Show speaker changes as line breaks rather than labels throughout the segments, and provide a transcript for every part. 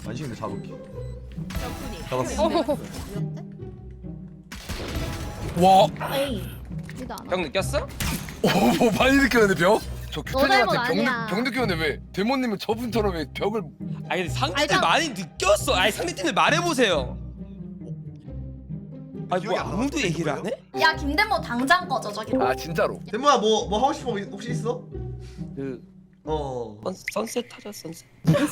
안식인데 잡을게.
적군이
잡았어.
와,
에이 이거 안
형 느꼈어?
오, 많이 느꼈는데 벽?
저
닮은
규태님한테
아니야.
병 느꼈는데 왜 데모님은 저분처럼 왜 벽을
아니 근데 상대팀
알잖아.
많이 느꼈어. 아니 상대팀을 말해보세요. 아니 뭐
기억이 안
아무도
나는데,
얘기를 안
누구예요?
해?
야 김대모 당장 꺼져 저기.
아 진짜로?
데모야 뭐 하고 싶은 거 혹시 있어?
그 선셋 하자 선셋.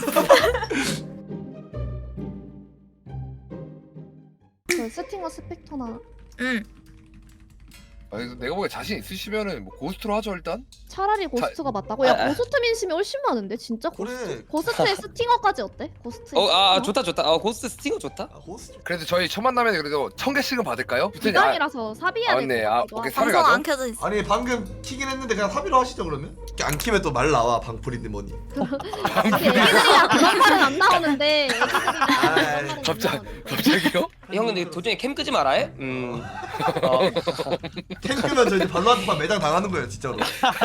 그 스팅어 스펙터나
응.
아니 내가 보기에 자신 있으시면은 뭐 고스트로 하죠 일단.
차라리 고스트가 맞다고? 야
아, 아.
고스트 민심이 훨씬 많은데 진짜 고스트?
그래.
고스트의 스팅어까지 어때? 고스트
좋다 좋다. 고스트 스팅어 좋다.
아 호스트.
그래도 저희 첫 만남에 그래도 1000개씩은 받을까요? 규태님
기간이라서 삽입해야 될
맞네.
것
아
같기도
오케이
하고.
3회 가죠.
켜져 있어.
아니 방금 키긴 했는데 그냥 합의로 하시죠 그러면? 안 키면 또 말 나와 방풀인데 뭐니.
우리 애기들이랑 그런 말은 안 나오는데 애기들이랑 그런 말은 안
갑자기요?
형 근데 도중에 캠 끄지 마라 해?
캠 끄면 저 이제 발로한테만 매장 당하는 거예요 진짜로.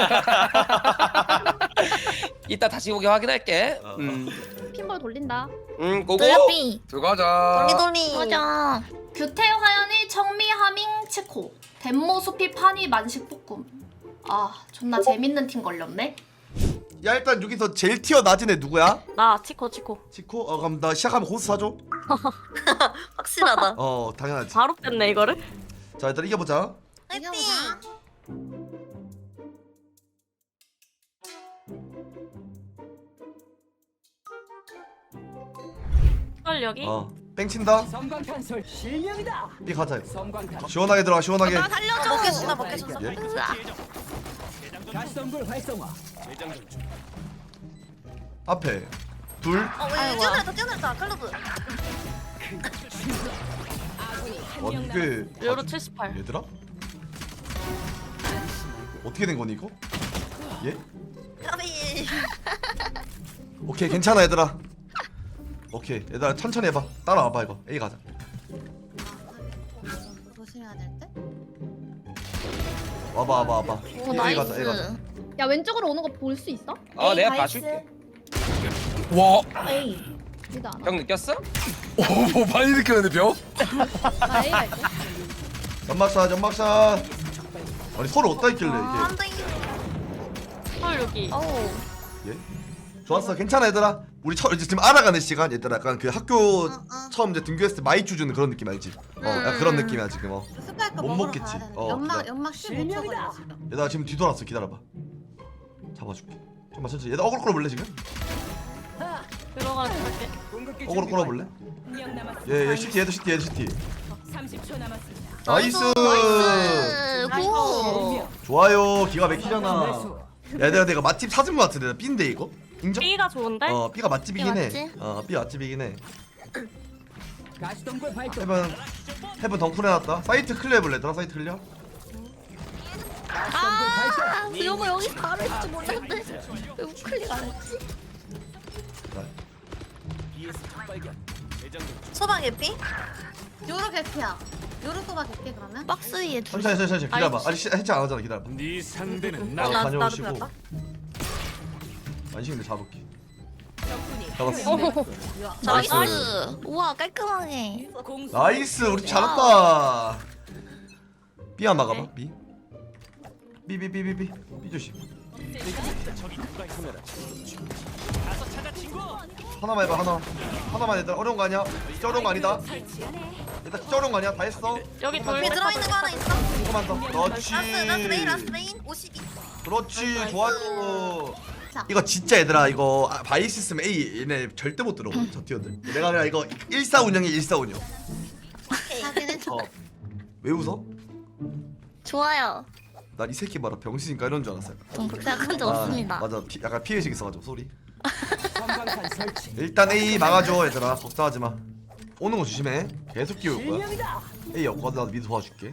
이따 다시 오게 확인할게.
핀볼 돌린다.
고고.
돌려삐.
들어가자.
돌리. 맞아. 규태 화연이 청미 하밍 치코. 덴모 수피 파니 만식 볶음. 아 존나 재밌는 팀 걸렸네.
야 일단 여기서 제일 티어 낮은 애 누구야?
나 치코.
치코? 그럼 나 시작하면 호스 사줘?
확실하다.
당연하지.
바로 뺐네 이거를.
자 일단 이겨보자.
화이팅. 여기.
땡친다.
섬광탄솔 실명이다.
삐 가자.
섬광탄
시원하게 들어가 시원하게.
살려줘. 먹겠어 먹겠어.
예?
가스덤불 활성화.
앞에 둘.
뛰어내렸다 클로브.
이게
요로 78.
얘들아? 어떻게 된 거니 이거? 예?
까비.
오케이 괜찮아 얘들아. 오케이 얘들아 천천히 해봐. 따라와봐 이거. A 가자.
조심해야 될 때.
와봐.
오
A 가자 A 가자.
나이스.
야 왼쪽으로 오는 거 볼 수 있어?
내가 봐줄게.
와,
에이 이거 안
형 느꼈어?
오, 많이 느꼈는데 벽?
나 A 갈게.
연막샷. 아니 서로 어디다 있길래 이게.
헐 여기.
예? 좋았어 괜찮아 얘들아. 우리 이제 지금 알아가는 시간 얘들아. 약간 그 학교 처음 이제 등교했을 때 마이쮸 주는 그런 느낌 알지? 약간 그런 느낌이야 지금.
스파이크
못 먹겠지.
연막 15초 걸려 지금.
얘들아 지금 뒤돌았어 기다려봐. 잡아줄게. 좀만 천천히. 얘들아 어그로 끌어볼래 지금?
들어가는 할게.
궁극기
어그로
준비
끌어볼래?
완료. 한명 남았습니다.
얘 CT 얘도 CT
30초 남았습니다.
나이스.
고.
좋아요 기가 막히잖아. 얘들아 내가 맛집 찾은 거 같은데 B인데 이거? 인정?
B가 좋은데?
B가 맛집이긴 해.
맞지?
B 맛집이긴 해.
가스덤불 발동.
헤븐 덩쿨 해놨다. 사이트 클리어 해볼래 얘들아 사이트 클리어?
아, 여보 여기 바로 있지 몰랐네. 왜 우클릭 안 했지? 소방 개피? 요로 개피야. 요로 소방 개피 그러면? 박스 위에 둘.
천천히 기다려봐. 아직 해체 안 하잖아 기다려봐.
네 상대는
나도
다녀오시고.
그랬다.
안식인데 잡을게.
적군이
잡았어.
나이스. 우와 깔끔하게.
공수
나이스 우리 잘했다. B 한 막아봐. B. B 조심. 하나만 해봐 하나만 얘들아 어려운 거 아니야? 진짜 어려운 거 아니다. 얘들아 진짜 어려운 거 아니야? 다 했어.
여기 돌 들어있는 거 하나 있어.
조금만 더. 그렇지.
라스 메인 52.
그렇지 좋아요. 이거 진짜 얘들아 이거 바이스 있으면 A 얘네 절대 못 들어. 저 티어들. 내가 그냥 이거 14운영이 14운영. 왜 웃어?
좋아요.
난 이 새끼 봐라 병신인가 이런 줄 알았어요.
전 그렇게 생각한 적 없습니다.
맞아 약간 피해식 있어가지고 소리.
섬광탄 설치.
일단 A 막아줘 얘들아 걱정하지 마. 오는 거 조심해. 계속 끼울 거야.
실명이다.
A 없거든 나도 미드 도와줄게.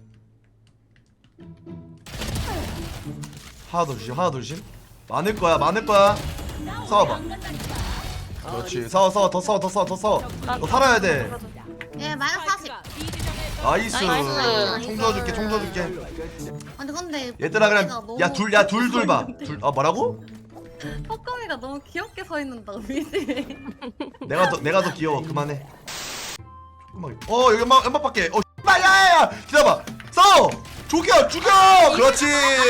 하나 더 조심. 많을 거야. 싸워봐. 그렇지. 싸워 더 싸워. 너 살아야 돼.
예, 마이너스 40.
나이스.
나이스.
총 줘줄게.
아니 근데
얘들아 그냥 야둘 봐. 뭐라고?
뻐끔이가 너무 귀엽게 서 있는다 미지.
내가 더 귀여워. 그만해. 조금만. 여기 연막 밖에. 야야야. 기다려봐. 싸워. 죽여. 그렇지.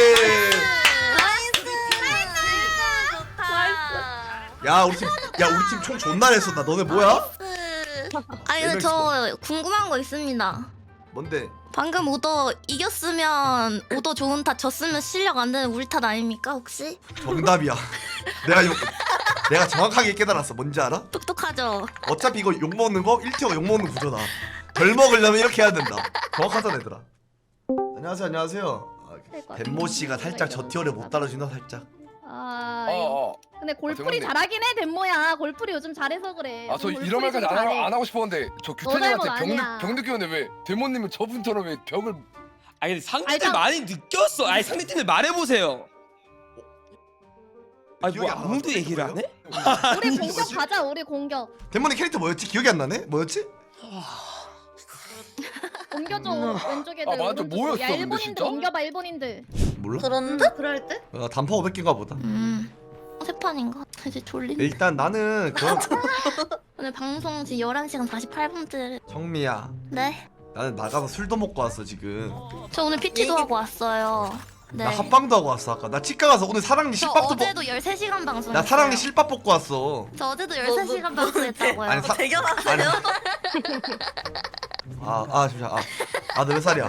야 우리 팀 총 존나 냈어. 나 너네 뭐야?
아니 근데 저 궁금한 거 있습니다.
뭔데?
방금 오더 이겼으면 오더 좋은 탓, 졌으면 실력 안 되는 우리 탓 아닙니까 혹시?
정답이야. 내가 정확하게 깨달았어. 뭔지 알아?
똑똑하죠?
어차피 이거 욕 먹는 거 1티어가 욕 먹는 구조다. 덜 먹으려면 이렇게 해야 된다. 정확하잖아 얘들아. 안녕하세요. 덴모 씨가 살짝 저 티어를 못 따라준다 살짝.
아
어어
근데 골프리
대박이네.
잘하긴 해 덴모야. 골프리 요즘 잘해서 그래.
아 저
골프리
이런 말까지
좀 잘해.
안 하고 싶었는데 저
너 잘못
규태님한테
아니야.
병 느꼈는데 왜 데모님은 저분처럼 왜 병을
아니 근데 상대들
아니,
많이 느꼈어. 아니 상대팀들 말해보세요. 아니
기억이
뭐
안 나.
아무도 얘기를 안 해?
우리 공격 가자. 우리 공격.
덴모님 캐릭터 뭐였지? 기억이 안 나네? 뭐였지?
옮겨줘 왼쪽에.
아, 맞아. 뭐였어,
야
근데
일본인들
진짜?
옮겨봐 일본인들.
몰라?
그런 듯?
그럴 듯?
단파 500개인가 보다.
세 판인가? 이제 졸린.
일단 나는 그런
오늘 방송 지금 11시간 48분째.
정미야.
네?
나는 나가서 술도 먹고 왔어 지금.
저 오늘 PT도 하고 왔어요. 네.
나 합방도 하고 왔어 아까. 나 치과 가서 오늘 사랑니
저
실밥도
어제도 13시간 방송.
나 사랑니 실밥 먹고 왔어.
저 어제도 13시간 방송했다고요.
아니 아니. 잠시만. 너 몇 살이야?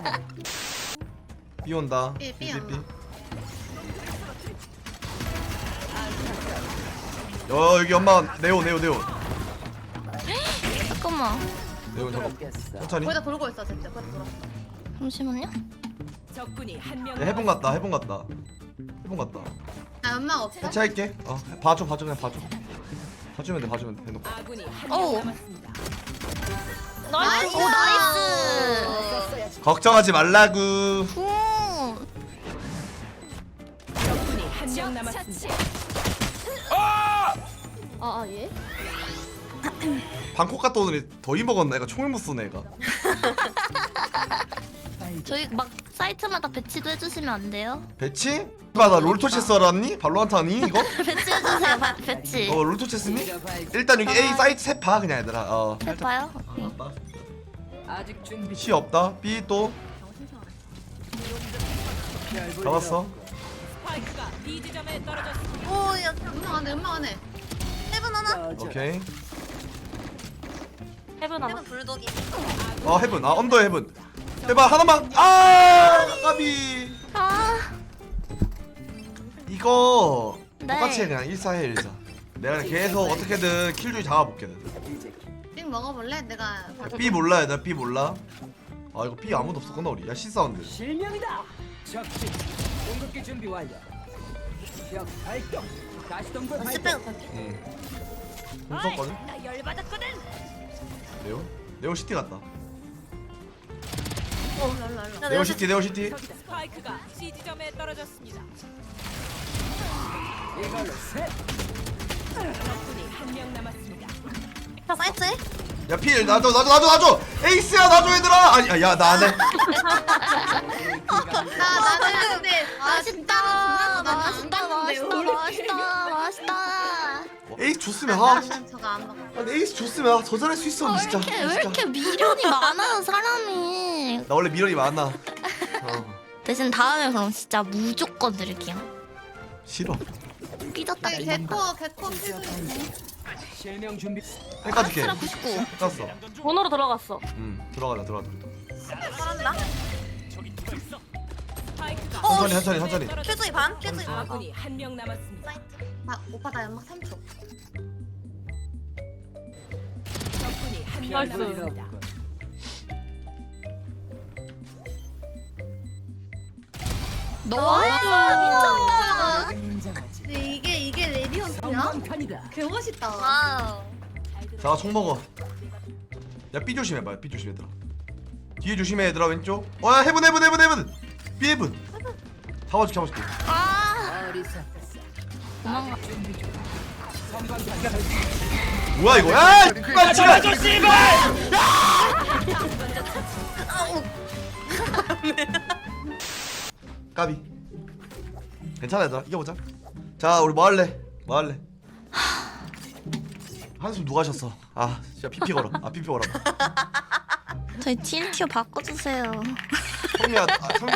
비 온다.
삐 온다.
여기 엄마 네오.
잠깐만.
네오 잠깐. 천천히.
거기다 돌고 있어 진짜. 거기다 돌아.
잠시만요.
적군이 한명
야, 해본 같다.
아 연막 없어?
해체할게. 봐줘 그냥 봐줘. 봐주면 돼 해놓고.
아군이
어우.
한명 남았습니다.
나이스. 오 나이스.
걱정하지 말라구.
굿.
적군이 한명 남았습니다.
아 예?
방콕 갔다 오더니 더위 먹었나? 애가 총을 못 쏘네 애가.
저희 막 사이트마다 배치도 해주시면 안 돼요?
배치? 나 롤토체스 알았니? 발로한테 하니 이거?
배치해주세요. 배치.
롤토체스니? 일단 여기 A 사이트 셋 봐 그냥 얘들아.
해봐요.
아직 준비.
C 없다. B 또 잡았어.
스파이크가 B 지점에 떨어졌습니다.
오야.
연막 안에.
해븐 하나.
오케이.
해븐 하나. 해븐 불독이.
헤븐. 언더 헤븐. 해봐 하나만. 까비. 이거
네.
똑같이 해 그냥 1-4해 1-4. 내가 계속 어떻게든 킬줄 잡아볼게.
띵 먹어볼래? 내가
B 몰라 얘들아. B 몰라. 이거 B 아무도 없었구나 우리. 야 C 사운드.
실명이다. 적진 공격기 준비 완료. 적 발동. 다시 동굴 발동.
응. 공 썼거든.
나 열받았거든.
네오 시티 갔다.
랄랄라.
네오 시티.
저기다 스파이크가 C 지점에 떨어졌습니다. 이걸로 셋. 적군이 한명 남았습니다.
사이트에?
야 필 놔줘. 에이스야 놔줘 얘들아. 아니 나 안 해.
나는 근데
맛있다.
맛있다.
맛있다.
에이스 줬으면
나는 저거 안 먹어.
아니 에이스 줬으면 더 잘할 수 있어 진짜.
왜 이렇게 미련이 많아요 사람이.
나 원래 미련이 많아.
대신 다음에 그럼 진짜 무조건 드릴게요.
싫어.
삐졌다.
개코 필수.
실명 준비.
헷갈게.
99.
헷갈렸어.
번호로 들어갔어.
들어가자.
스파이크가
천천히.
큐즈이 반? 큐즈이 반.
아군이 한명 남았습니다.
오빠 나 연막 3초.
적군이 한명 남았습니다.
와 미쳤다.
근데 이게 레디언스야?
성광탄이다.
개 멋있다.
와우.
자 총 먹어. 야 B 조심해봐. B 조심 얘들아. 뒤에 조심해 얘들아 왼쪽. 야 헤븐. B 헤븐. 잡아줄게.
도망가.
뭐야 이거? 야!
잡아줘 씨발!
까비. 괜찮아 얘들아 이겨보자. 자 우리 뭐 할래? 뭐 할래? 한숨 누가 하셨어? 아 진짜 피피 걸어. 아 피피 걸어.
저희 TNT로 바꿔주세요.
성미야,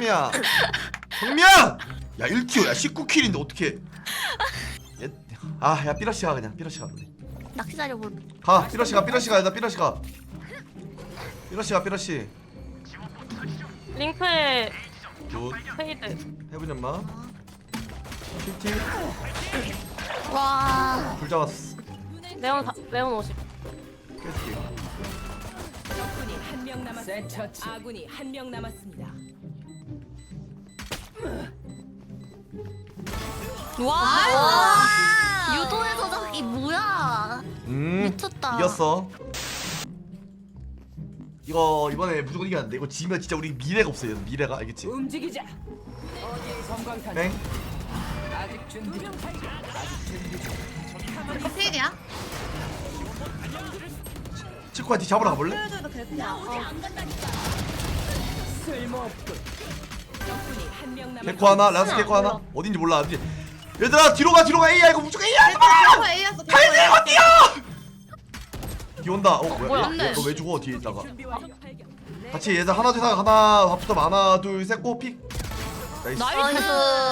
성미야. 야 1티오, 야 19킬인데 어떻게? 아야 삐러시 가 그냥 삐러시 가.
낚시 자료 볼.
가 삐러시 가 삐러시 가. 나 삐러시 가. 삐러시 가 삐러시.
링크에
굿.
페이드.
해보니 엄마. 티
와.
불 잡았어.
레온 50.
깨줄게.
적군이 한 명 남았습니다. 아군이 한 명 남았습니다.
와. 유도에서 저기 뭐야? 미쳤다.
이겼어. 이거 이번에 무조건 이겨야 돼. 이거 지면 진짜 우리 미래가 없어. 얘는 미래가 알겠지?
움직이자. 섬광탄.
뱅.
아직 준비 중. 아직 준비 중.
이거 필이야?
치코한테 잡으러 가볼래?
쓸모없군. 적군이 한 명 남았습니다.
개코 하나, 라스 개코 하나. 어딘지 몰라. 어디? 얘들아 뒤로 가 뒤로 가. A야 이거 무조건 A야. 하지마. 칼들고 뛰어. 뒤 온다. 뭐야? 너 왜 죽어 뒤에 있다가?
준비 완료.
같이 얘들 하나 둘 셋 하나 밥부터 하나 둘 셋 고 픽. 나이스.
나이스.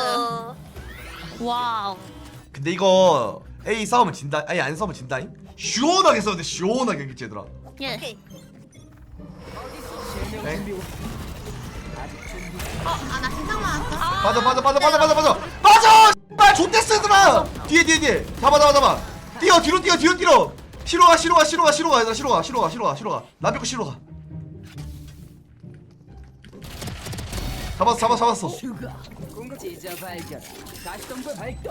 와우.
근데 이거 A 싸우면 진다. 아니 안 싸우면 진다잉. 시원하게 싸우는데 시원하게 그치 얘들아.
예.
네?
아나 진상 맞았어.
빠져. 빨 좆됐어 얘들아. 뒤에. 잡아. 뛰어 뒤로 뛰어. 시로 가 얘들아. 시로 가. 남편 거 시로 가. 잡았어.
찢어 발견. 가시덤불 발동.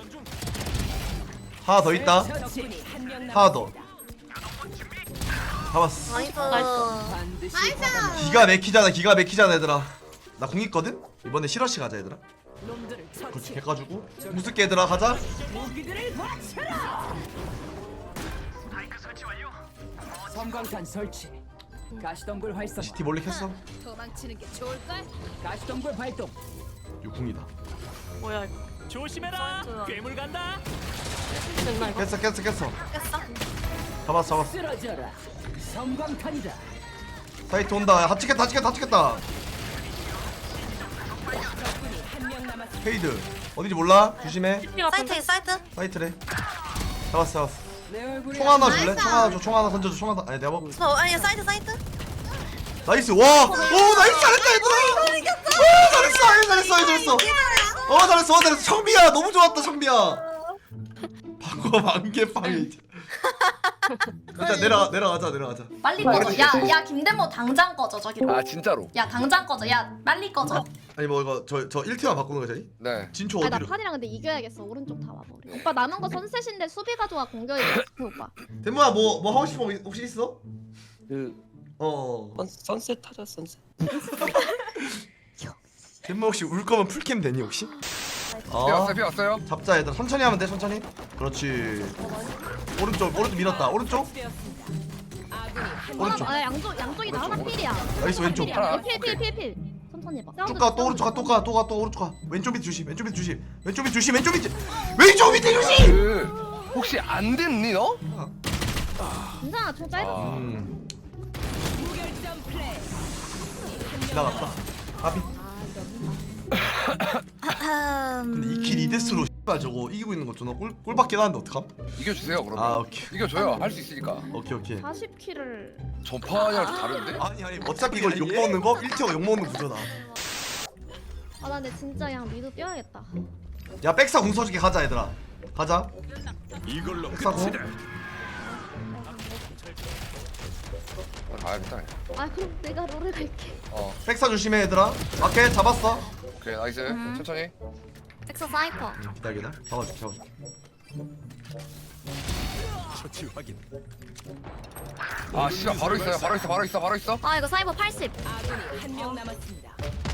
하나 더 있다.
적군이 한 명
하나 더.
남았습니다.
잡았어.
반드시
기가 막히잖아 얘들아. 나 공 있거든? 이번에 시러시 가자 얘들아.
놈들을
그렇지
처치.
해가지고 무섭게 얘들아 가자.
무기들을 바쳐라. 섬광탄 설치. 가시덤불 활성화.
CT 몰래 켰어.
도망치는 게 좋을걸?
가시덤불 발동.
이거 궁이다.
뭐야 이거?
조심해라. 괴물 간다.
됐나 이거?
깼어. 잡았어.
쓰러져라. 섬광탄이다.
사이트 온다. 다 찍겠다.
적군이 한 명 남았습니다.
페이드 어딘지 몰라. 조심해.
사이트.
사이트래. 잡았어.
내 얼굴이
총 하나 줄래? 총 하나 던져줘. 총 하나. 아니 내가 먹.
아니 사이트.
나이스. 와. 오 나이스 잘했다 얘들아. 잘했어. 잘했어. 청비야 너무 좋았다 청비야. 방금 안개빵이. 일단 내려가자.
빨리 꺼져. 야 김대모 당장 꺼져 저기로.
아 진짜로.
야 당장 꺼져. 야 빨리 꺼져.
아니 뭐 이거 저 1티만 바꾸는 거야 저희?
네.
진초
아니 나
어디로?
판이랑 근데 이겨야겠어. 오른쪽 다 와버려. 오빠 남은 거 선셋인데 수비가 좋아 공격이 좋대 오빠.
대모야 뭐 하고 싶은 거 혹시 있어?
선셋 타자 선셋.
대모 혹시 울 거면 풀캠 되니 혹시?
피 왔어요.
잡자 얘들아. 천천히 하면 돼. 천천히. 그렇지. 오른쪽 밀었다. 오른쪽. 오른쪽.
아 양쪽이 다 하나 필이야.
나이스 왼쪽.
하나.
필. 천천히 해봐.
쭉 가. 또 오른쪽 가. 또 오른쪽 가. 왼쪽 밑 조심. 왼쪽 밑 조심.
혹시 안 됐니 너?
괜찮아 좀 짧아.
무결점 플레이.
지나갔다. 아비. 근데 2킬 2데스로 씨발 저거 이기고 있는 거 존나 꼴밖에 나는데 어떡함?
이겨주세요 그러면.
아 오케이.
이겨줘요. 할 수 있으니까.
오케이.
40킬을.
전판이랑 좀 다른데?
아니 어차피 이걸 욕 먹는 거 1티어 욕 먹는 구조다.
아 나 근데 진짜 그냥 미드 뛰어야겠다.
야 백사 공 써줄게. 가자 얘들아. 가자.
이걸로
백사 공.
가야겠다.
아 그럼 내가 롤을 갈게.
백사 조심해 얘들아. 오케이 잡았어.
오케이 나이스. 천천히.
엑소 사이퍼.
기다려. 잡아줄게.
처치 확인.
아 씨발 바로 있어.
아 이거 사이버 80.
아군이 한 명 남았습니다.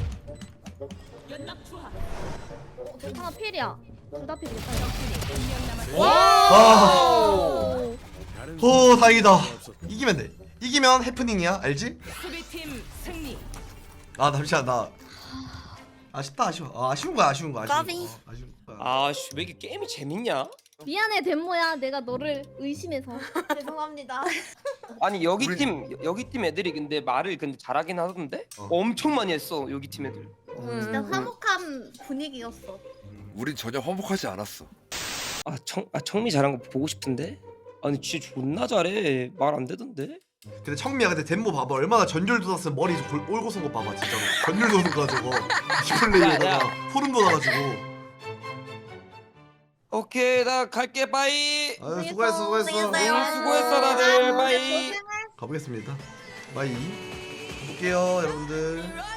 하나 필이야. 둘 다 필이야.
한명 남았습니다.
아. 오 다행이다. 이기면 돼. 이기면 해프닝이야. 알지?
수비팀 승리.
아 잠시만 나 아쉽다. 아쉬운 거야.
까비.
아쉬운 거야.
아씨 왜 이렇게 게임이 재밌냐?
미안해 덴모야 내가 너를 의심해서.
죄송합니다.
아니 여기
우리-
팀 애들이 근데 말을 근데 잘하긴 하던데? 엄청 많이 했어 여기 팀 애들.
진짜 화목한 분위기였어.
우린 전혀 화목하지 않았어.
청미 잘한 거 보고 싶은데? 아니 진짜 존나 잘해. 말 안 되던데?
근데 청미야 근데 덴모 봐봐 얼마나 전율 돋았으면 머리 올고 쏜 거 봐봐 진짜로 전율 도는 거 저거 디플레이에다가 소름 돋아가지고.
오케이 나 갈게 바이.
아유 수고했어
수고했어 다들 바이.
가보겠습니다. 바이. 볼게요 여러분들.